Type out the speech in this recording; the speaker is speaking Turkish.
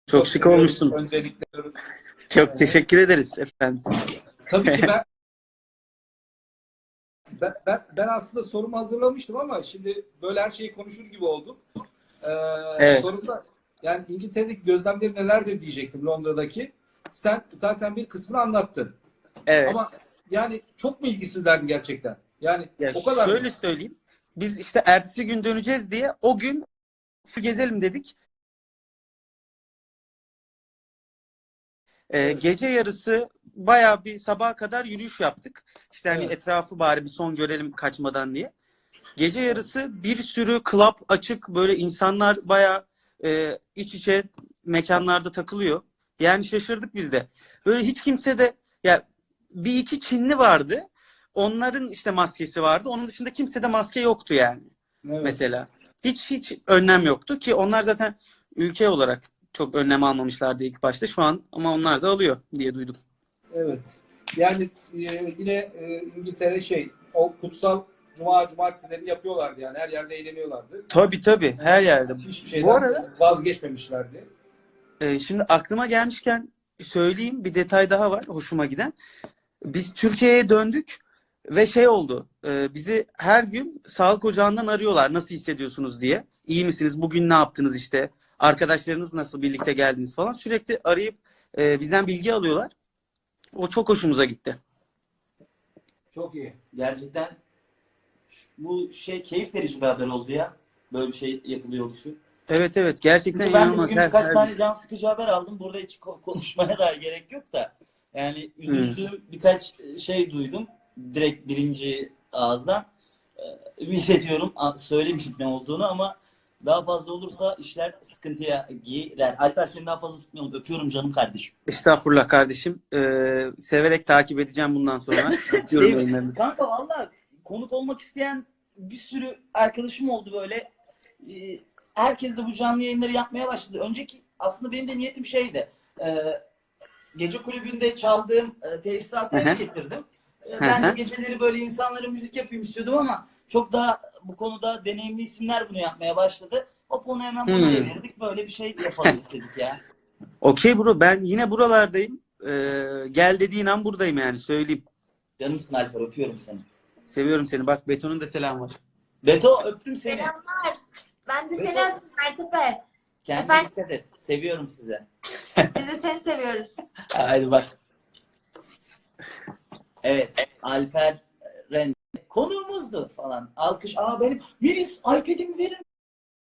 Çok Çok şık seviyoruz olmuşsunuz. öncelikle. Çok teşekkür ederiz efendim. Tabii ki ben aslında sorumu hazırlamıştım ama şimdi böyle her şeyi konuşur gibi olduk. Evet, Sorumda yani İngiltere'deki gözlemleri nelerdir diyecektim, Londra'daki. Sen zaten bir kısmını anlattın. evet. Ama yani çok mu ilgisizlerdi gerçekten? Yani Ya o kadar mı? şöyle söyleyeyim. Biz işte ertesi gün döneceğiz diye o gün full gezelim dedik. Evet, Gece yarısı bayağı bir sabaha kadar yürüyüş yaptık. İşte hani evet, etrafı bari bir son görelim kaçmadan diye. Gece yarısı bir sürü club açık, böyle insanlar bayağı iç içe mekanlarda takılıyor. Yani şaşırdık biz de. Böyle hiç kimse de, ya bir iki Çinli vardı. Onların işte maskesi vardı. Onun dışında kimsede maske yoktu yani. evet. Mesela. Hiç önlem yoktu ki onlar zaten ülke olarak çok önlem almamışlardı ilk başta. Şu an ama onlar da alıyor diye duydum. Evet. Yani yine İngiltere o kutsal cumartesileri yapıyorlardı yani. Her yerde eğleniyorlardı. Tabii tabii, her yerde. Hiçbir Bu şeyden arada vazgeçmemişlerdi. şimdi aklıma gelmişken söyleyeyim, bir detay daha var hoşuma giden. Biz Türkiye'ye döndük ve şey oldu. Bizi her gün sağlık ocağından arıyorlar. Nasıl hissediyorsunuz diye. İyi misiniz? Bugün ne yaptınız işte? Arkadaşlarınız nasıl? Birlikte geldiniz falan. Sürekli arayıp bizden bilgi alıyorlar. O çok hoşumuza gitti. Çok iyi. Gerçekten bu şey keyif verici bir haber oldu ya. Böyle bir şey yapılıyor oluşu. Evet evet, gerçekten Çünkü ben de inanılmaz. bugün Her, birkaç her... tane can sıkıcı haber aldım. Burada hiç konuşmaya da gerek yok da. Yani Hmm. üzüldüğüm birkaç şey duydum. Direkt birinci ağızdan. Ümit ediyorum söylemeyeyim ne olduğunu ama daha fazla olursa işler sıkıntıya girer. Alper seni daha fazla tutmayalım. Öpüyorum canım kardeşim. Estağfurullah kardeşim. Severek takip edeceğim bundan sonra. Öpüyorum Şey, yayınlarını. kanka valla konuk olmak isteyen bir sürü arkadaşım oldu böyle. Herkes de bu canlı yayınları yapmaya başladı. Önceki aslında benim de niyetim şeydi. Gece kulübünde çaldığım tesisatı Hı eve hı. getirdim. Hı Ben de hı. geceleri böyle insanlara müzik yapayım istiyordum ama çok daha bu konuda deneyimli isimler bunu yapmaya başladı. Hop onu hemen buna Hmm. evirdik. Böyle bir şey yapalım istedik ya. Okey bro, ben yine buralardayım. Gel dediğin an buradayım yani, söyleyeyim. Canımsın Alper, öpüyorum seni. Seviyorum seni. Bak, Beton'un da selam var. Beto öptüm seni. Selamlar. Ben de seni Beto öptüm Mertepe. kendine Efendim, dikkat et. Seviyorum sizi. biz de seni seviyoruz. Haydi bak. Evet. Alper Ren konuğumuzdu falan. Alkış. Benim Melis iPad'imi verin.